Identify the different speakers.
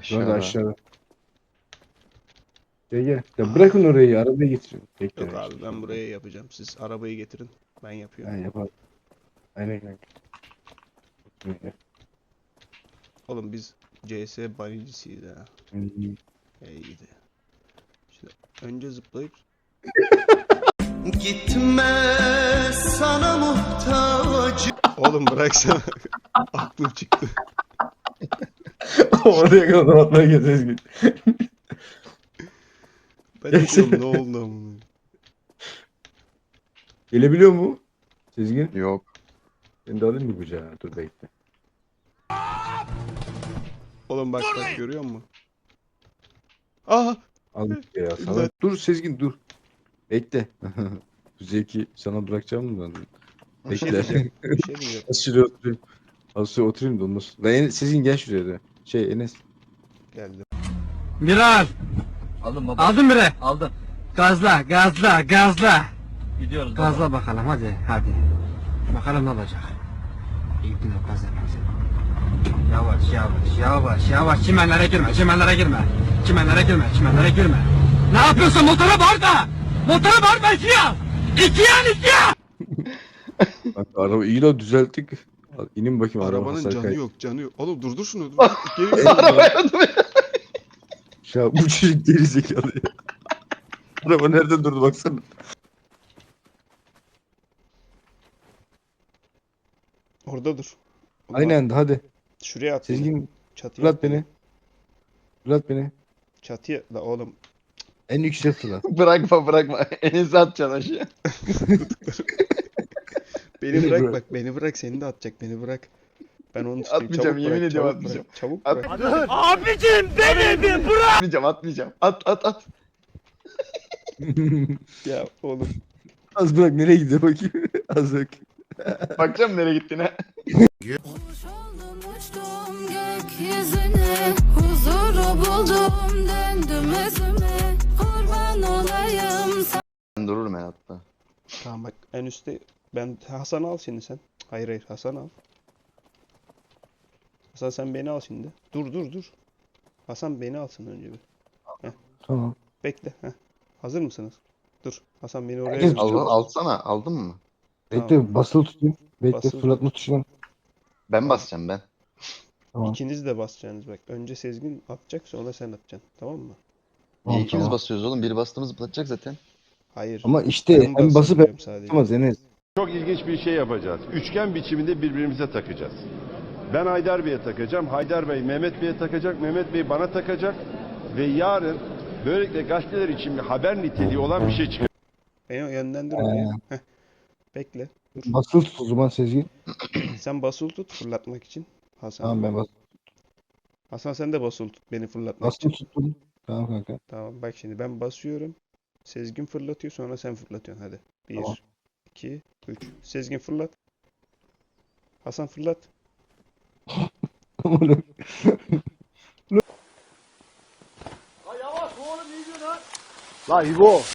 Speaker 1: Aşağıda.
Speaker 2: Aşağıda. Gel. Ya bırakın orayı, arabaya getirin. Bekle.
Speaker 3: Yok abi ben buraya yapacağım. Siz arabayı getirin. Ben yapıyorum.
Speaker 2: Ben yaparım. Aynen kanka.
Speaker 3: Oğlum biz CS bayıcısıyız ha. İyiydi. Şimdi önce zıplayıp
Speaker 4: Gitme sana muhtaç.
Speaker 3: oğlum bıraksana. Aklım çıktı.
Speaker 2: Oraya kadar atmaya gezeriz.
Speaker 3: Ben de diyorum ne oldu amına.
Speaker 2: Gelebiliyor mu? Sezgin.
Speaker 1: Yok.
Speaker 2: Ben de alayım mı kucağa? Dur bekle.
Speaker 3: Oğlum bak görüyor musun? Aha!
Speaker 2: Al ya sana.
Speaker 3: İmdat.
Speaker 2: Dur Sezgin dur. Bekle. Bu zevki sana bırakacağım mı ben?
Speaker 3: Bir şey
Speaker 2: Bekle.
Speaker 3: diyeceğim. Bir şey diyeceğim.
Speaker 2: Az şuraya oturayım. Az şuraya oturayım da olmaz. Sezgin gel şuraya da. Enes.
Speaker 3: Geldim.
Speaker 5: Miral.
Speaker 6: Aldım baba.
Speaker 5: Aldın bire.
Speaker 6: Aldım.
Speaker 5: Gazla, gazla, gazla.
Speaker 6: Gidiyoruz baba.
Speaker 5: Gazla bakalım hadi, hadi. Bakalım ne olacak. İyi bir gazla, gazla. Yavaş, yavaş, yavaş, yavaş. Çimenlere girme, çimenlere girme. Çimenlere girme, çimenlere girme. Ne yapıyorsun? Motora bağır da. Motora bağırma, ikiye al. İkiye al, ikiye al.
Speaker 2: Bak araba iyi la düzelttik. Al, İnin bakayım araba
Speaker 3: Arabanın
Speaker 2: hasar
Speaker 3: canı
Speaker 2: kaydı.
Speaker 3: yok, canı yok. Oğlum durdur şunu. Dur. Geri
Speaker 1: Araba yardım et.
Speaker 2: Ya bu çocuk geri zekalı ya. Araba nerede durdu baksana.
Speaker 3: Orada dur. Oğlum
Speaker 2: Aynen hadi.
Speaker 3: şuraya at beni.
Speaker 2: Sezgin
Speaker 3: Çatıya
Speaker 2: fırlat
Speaker 3: at beni.
Speaker 2: beni. Fırlat beni.
Speaker 3: Çatıya la oğlum.
Speaker 2: En yüksek fırlat.
Speaker 1: Bırakma. Enes'i atacaksın aşağı.
Speaker 3: Beni
Speaker 2: Beni
Speaker 3: bırak
Speaker 2: bırak.
Speaker 3: bak beni bırak seni de atacak beni bırak. Ben onu tutayım.
Speaker 1: Atmayacağım,
Speaker 3: Çabuk
Speaker 1: yemin
Speaker 3: bırak,
Speaker 1: ediyorum
Speaker 3: çabuk
Speaker 1: atmayacağım.
Speaker 3: bırak, çabuk
Speaker 1: At.
Speaker 3: bırak.
Speaker 5: Abicim beni bir bırak.
Speaker 1: Atmayacağım. At.
Speaker 3: Ya oğlum.
Speaker 2: Az bırak nereye gidiyor bakayım. Az bak.
Speaker 1: Bakacağım nereye gittiğine.
Speaker 7: Kuş oldum uçtum gökyüzüne, huzuru buldum döndüm özüme, kurban olayım sana.
Speaker 1: Ben dururum ben hatta.
Speaker 3: Tamam bak en üstte ben Hasan'ı al şimdi sen. Hayır Hasan'ı al. Hasan sen beni al şimdi. Dur. Hasan beni alsın önce bir.
Speaker 2: Tamam.
Speaker 3: Bekle. Heh. Hazır mısınız? Dur. Hasan beni oraya
Speaker 2: Herkes-
Speaker 3: götür.
Speaker 1: Alsana. Aldın mı?
Speaker 2: Bekle basılı tutayım. Bekle
Speaker 3: Basılı
Speaker 2: fırlatma tuşuna.
Speaker 1: Ben basacağım ben.
Speaker 2: Tamam.
Speaker 3: İkiniz de basacaksınız bak. Önce Sezgin atacak sonra sen atacaksın. Tamam mı?
Speaker 2: Tamam,
Speaker 1: Niye ikimiz
Speaker 2: tamam.
Speaker 1: basıyoruz oğlum? Biri bastığımız zıplatacak zaten.
Speaker 3: Hayır.
Speaker 2: Ama işte
Speaker 3: Ben
Speaker 2: hem basıp
Speaker 3: basabiliyorum
Speaker 2: hem
Speaker 3: sadece.
Speaker 2: tutamaz Enes.
Speaker 8: Çok ilginç bir şey yapacağız. Üçgen biçiminde birbirimize takacağız. Ben Haydar Bey'e takacağım. Haydar Bey Mehmet Bey'e takacak. Mehmet Bey bana takacak. Ve yarın böylelikle gazeteler için bir haber niteliği olan bir şey çıkacak.
Speaker 3: Beni yönlendir oraya. Heh. Bekle. Dur.
Speaker 2: Basılı tut o zaman Sezgin.
Speaker 3: Sen basılı tut fırlatmak için. Hasan.
Speaker 2: Tamam ben
Speaker 3: Hasan sen de basılı tut beni fırlatmak için.
Speaker 2: basılı tuttum. Tamam kanka.
Speaker 3: Tamam bak şimdi ben basıyorum. Sezgin fırlatıyor sonra sen fırlatıyorsun hadi. 1,
Speaker 2: Tamam.
Speaker 3: 2, 3. Sezgin fırlat. Hasan fırlat.
Speaker 5: La İbo.